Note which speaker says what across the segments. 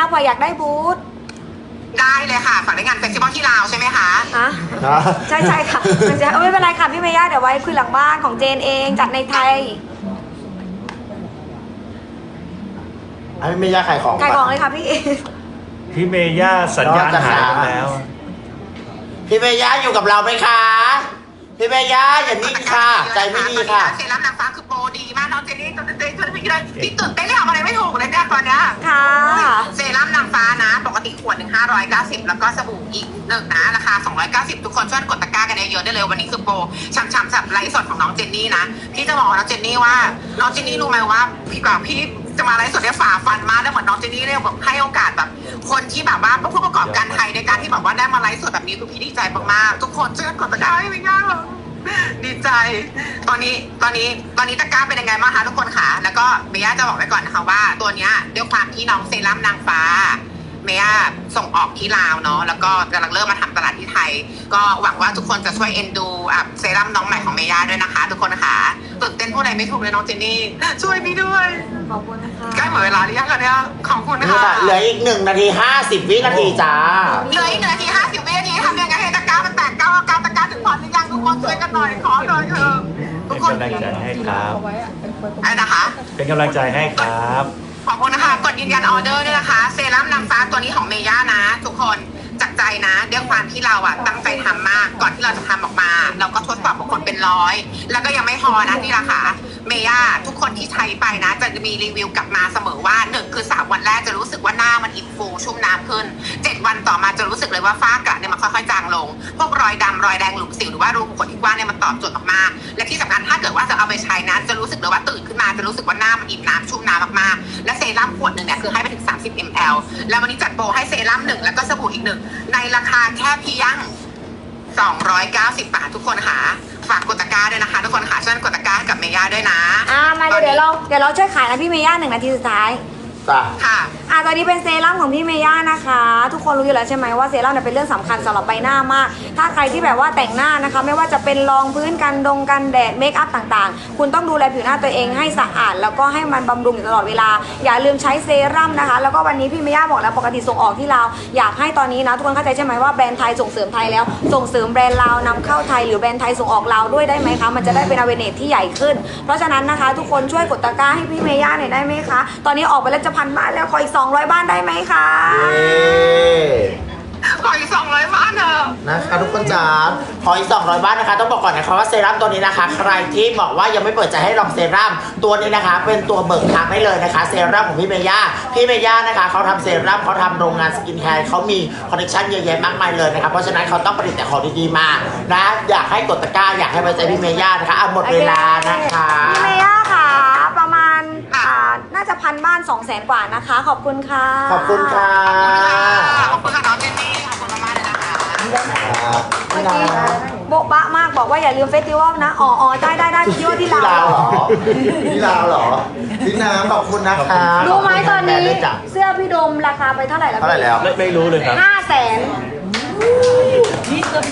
Speaker 1: เผื่ออยากได้บูธ
Speaker 2: ได้เลยค่ะฝากในงานเฟสติวัลที่ลาวใช่ไหมคะ
Speaker 1: ใช่ค่ะไม่เป็นไรค่ะพี่เมย่าเดี๋ยวไว้คุยหลังบ้านของเจนเองจัดในไทย
Speaker 3: พี่เมย่าขายของ
Speaker 1: เลยค่ะพี่
Speaker 4: พี่เมย่าสัญญาณหายไปแล้ว
Speaker 3: พี่เมย่าอยู่กับเราไหมคะพี่เมย่าอย่านิ่งค่ะใจไม่ดีค่ะ
Speaker 2: เซรั่มนางฟ้าคือโปรดีมากน้องเจนนี่ตัวเต้นที่ตื่นเต้นเลยทำอะไรไม่ถูกเลยเนี่ยตอนเนี้ย
Speaker 1: ค่ะ
Speaker 2: เซรั่มนางฟ้านะปกติขวดหนึ่ง590แล้วก็สบู่อีกหนึ่งนะราคา290ทุกคนช่วยกดตะกร้ากันเยอะๆได้เลยวันนี้คือโปรช่ำๆสับไลฟ์สดของน้องเจนนี่นะพี่จะบอกน้องเจนนี่ว่าน้องเจนนี่รู้ไหมว่าพี่จะมาไลฟ์สดได้ฝ่าฟันมากแล้วเหมือนน้องเจนนี่เนี่ยแบบให้โอกาสแบบคนที่แบบว่าผู้ประกอบการไทยในการที่แบบว่าได้มาไลฟ์สดแบบนี้คือพี่ดีใจมากๆทุกคนช่วยกดตะกร้าให้พี่ย่าดีใจตอนนี้ตะกร้าเป็นยังไงบ้างคะทุกคนค่ะแล้วก็เมย่าจะบอกไว้ก่อนนะคะว่าตัวเนี้ยด้วยความที่น้องเซรั่มนางฟ้าเมย่าส่งออกที่ลาวเนาะแล้วก็กำลังเริ่มมาทำตลาดที่ไทยก็หวังว่าทุกคนจะช่วยเอ็นดูเซรั่มน้องใหม่ของเมย่าด้วยนะคะทุกคนค่ะตื่นเต้นพูดอะไรไม่ถูกเลยน้องเจนนี่ช่วยพี่ด้วย
Speaker 1: ขอบคุณนะคะ
Speaker 2: ใกล้หมดเวลาหรือยังคะเนี่ยขอบคุณนะคะ
Speaker 3: เหลืออีก1 นาที 50 วินาทีจ้า
Speaker 2: เหลืออีก1 นาที 50 วินาทีทำยังไงให้ตะกร้ามันแตกก้าวตะกร้าถึงพอหรือยังทุกคนช่วยกันหน่อยขอหน่อยเถอะทุกคน
Speaker 4: เป็นกำลังใจให้ครับ
Speaker 2: อะไรนะคะ
Speaker 4: เป็นกำลังใจให้ครับ
Speaker 2: ขอบคุณนะคะกดยืนยันออเดอร์ด้วยนะคะเซรั่มนางฟ้าตัวนี้ของเมย่านะทุกคนจากใจนะด้วยความที่เราตั้งใจทำมากก่อนที่เราจะทำออกมาเราก็ทดสอบกับคนเป็นร้อยแล้วก็ยังไม่พอนะที่ราคาเมย่าทุกคนที่ใช้ไปนะจะมีรีวิวกลับมาเสมอว่า1คือ3 วันแรกจะรู้สึกว่าหน้ามันอิ่มฟูชุ่มน้ำขึ้น7 วันต่อมาจะรู้สึกเลยว่าฝ้ากระเนี่ยมันค่อยๆจางลงพวกรอยดำรอยแดงหลุมสิวหรือว่ารูขุมขนที่กว้างเนี่ยมันตอบโจทย์มากๆและที่สำคัญถ้าเกิดว่าจะเอาไปใช้นะจะรู้สึกเลยว่าตื่นขึ้นมาจะรู้สึกว่าหน้ามันอิ่มน้ำชุ่มน้ำมากๆและเซรั่มขวดหนึ่งเนี่ยคือให้ไปถึง30 ml แล้ววันนี้จัดโปรให้เซรั่ม1แล้วก็สบู่อีก1ในราคาแค่เพียง290 บาททุกคนค่ะฝากกดตะกร้าด้วยนะคะทุกคนค่ะช่วยกดตะกร้าให้กับเมย่าด้วยนะ
Speaker 1: มาเดี๋ยวเราช่วยขายนะพี่เมย่า1 นาทีสุดท้าย
Speaker 2: ค่ะ
Speaker 1: ตอนนี้เป็นเซรั่มของพี่เมย่านะคะทุกคนรู้อยู่แล้วใช่ไหมว่าเซรั่มเนี่ยเป็นเรื่องสำคัญสำหรับใบหน้ามากถ้าใครที่แบบว่าแต่งหน้านะคะไม่ว่าจะเป็นรองพื้นกันแดดเมคอัพต่างๆคุณต้องดูแลผิวหน้าตัวเองให้สะอาดแล้วก็ให้มันบำรุงอยู่ตลอดเวลาอย่าลืมใช้เซรั่มนะคะแล้วก็วันนี้พี่เมย่าบอกแล้วปกติส่งออกที่ลาวอยากให้ตอนนี้นะทุกคนเข้าใจใช่ไหมว่าแบรนด์ไทยส่งเสริมไทยแล้วส่งเสริมแบรนด์ลาวนำเข้าไทยหรือแบรนด์ไทยส่งออกลาวด้วยได้ไหมคะมันจะได้เป็นawarenessที่ใหญ่ขึ้นเพราะฉะนั้นนะคะทุกคนช่วยกดตะกร้าให้พี่เมย่าหน่อยได้ไหมคะตอนนี้ออกไปแล้วจะ1,000 บ้านแล้วขออีก200 บ้านได้ไหมคะ
Speaker 2: ขออีก200 บ้านเถอะ
Speaker 3: นะคะทุกคนจ๋าขออีก200 บ้านนะคะต้องบอกก่อนนะคะว่าเซรั่มตัวนี้นะคะใครที่บอกว่ายังไม่เปิดใจให้ลองเซรั่มตัวนี้นะคะเป็นตัวเบิกทางได้เลยนะคะเซรั่มของพี่เมย่านะคะเขาทำเซรั่มเขาทำโรงงานสกินแคร์เขามีคอลเลคชันเยอะแยะมากมายเลยนะคะเพราะฉะนั้นเขาต้องผลิตแต่ของดีๆมานะอยากให้กดตะกร้าอยากให้ไว้ใจพี่เมย่านะคะหมดเวลานะคะ
Speaker 1: พี่เมย่าค่ะประมาณน่าจะ1,000 บ้าน200,000 กว่านะคะขอบคุณค่ะ
Speaker 3: ขอบคุณค่ะ
Speaker 2: ขอบคุณค่ะน้องเจนนี่ขอบคุณมากเลยนะคะ
Speaker 1: เมื่อกี้โบ๊ะบะมากบอกว่าอย่าลืมเฟสติวัลนะอ๋อได้ที่ว่าที่ลาว
Speaker 3: เหรอที่ลาวเหรอพี่น้ำขอบคุณนะคะ
Speaker 1: รู้ไหมตอนนี้เสื้อพี่โดมราคาไปเท่าไหร่แล้ว
Speaker 4: ไม่รู้เลยครับ
Speaker 1: 500,000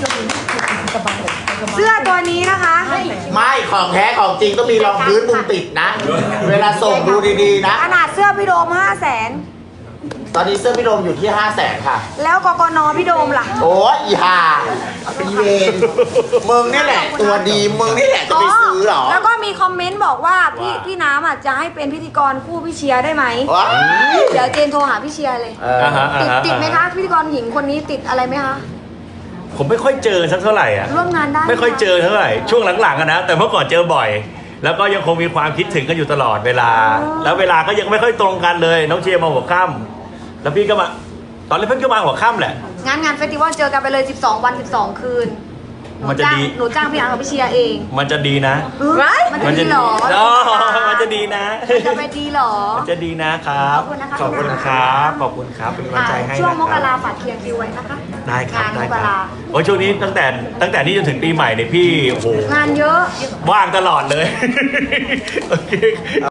Speaker 1: เสื้อตัวนี้นะคะ
Speaker 3: ไม่ของแท้ของจริงต้องมีรองพื้นมุมติดนะเวลาส่งดูดีๆนะ
Speaker 1: ขนาดเสื้อพี่โดม500,000
Speaker 3: ตอนนี้เสื้อพี่โดมอยู่ที่500,000ค่ะ
Speaker 1: แล้วกกนพี่โดมล่ะ
Speaker 3: โอ้ยอีห่าเป็นเวรมึงนี่แหละตัวดีมึงนี่แหละจะไปซื้อหรอ
Speaker 1: แล้วก็มีคอมเมนต์บอกว่าพี่น้ำจะให้เป็นพิธีกรคู่พี่เชียร์ได้ไหมเดี๋ยวเจนโทรหาพี่เชียร์เลยติดไหมคะพิธีกรหญิงคนนี้ติดอะไรไหมคะ
Speaker 4: ผมไม่ค่อยเจอสักเท่าไหร่
Speaker 1: ร่วมงานได้
Speaker 4: ไม่ค่อยเจอเท่าไหร่ช่วงหลังๆนะแต่เมื่อก่อนเจอบ่อยแล้วก็ยังคงมีความคิดถึงกันอยู่ตลอดเวลาแล้วเวลาก็ยังไม่ค่อยตรงกันเลยน้องเชียร์มาหัวค่ำแล้วพี่ก็มาตอนแรกเพิ่งก็มาหัวค่ำแหละ
Speaker 1: งานเฟสติวัลเจอกันไปเลย12 วัน12 คืน
Speaker 4: มันจะดี
Speaker 1: หนูจ้างพี่อาร์กับพี่เชียร์เอง
Speaker 4: มันจะดีนะ
Speaker 1: มันจะดีหรอ
Speaker 4: มันจะดีนะ
Speaker 1: จะไปดีหรอ
Speaker 4: มันจะดีนะครับขอบคุณครับขอบคุณครับเป็นกำลังใจให้
Speaker 1: ช่วงมกราฝากเคลียร์คิวไว้นะคะ
Speaker 4: ได้ครับโอ้ช่วงนี้ตั้งแต่นี้จนถึงปีใหม่เนี่ยพี่โอ้โห
Speaker 1: งานเยอะ
Speaker 4: ว่างตลอดเลยโอเค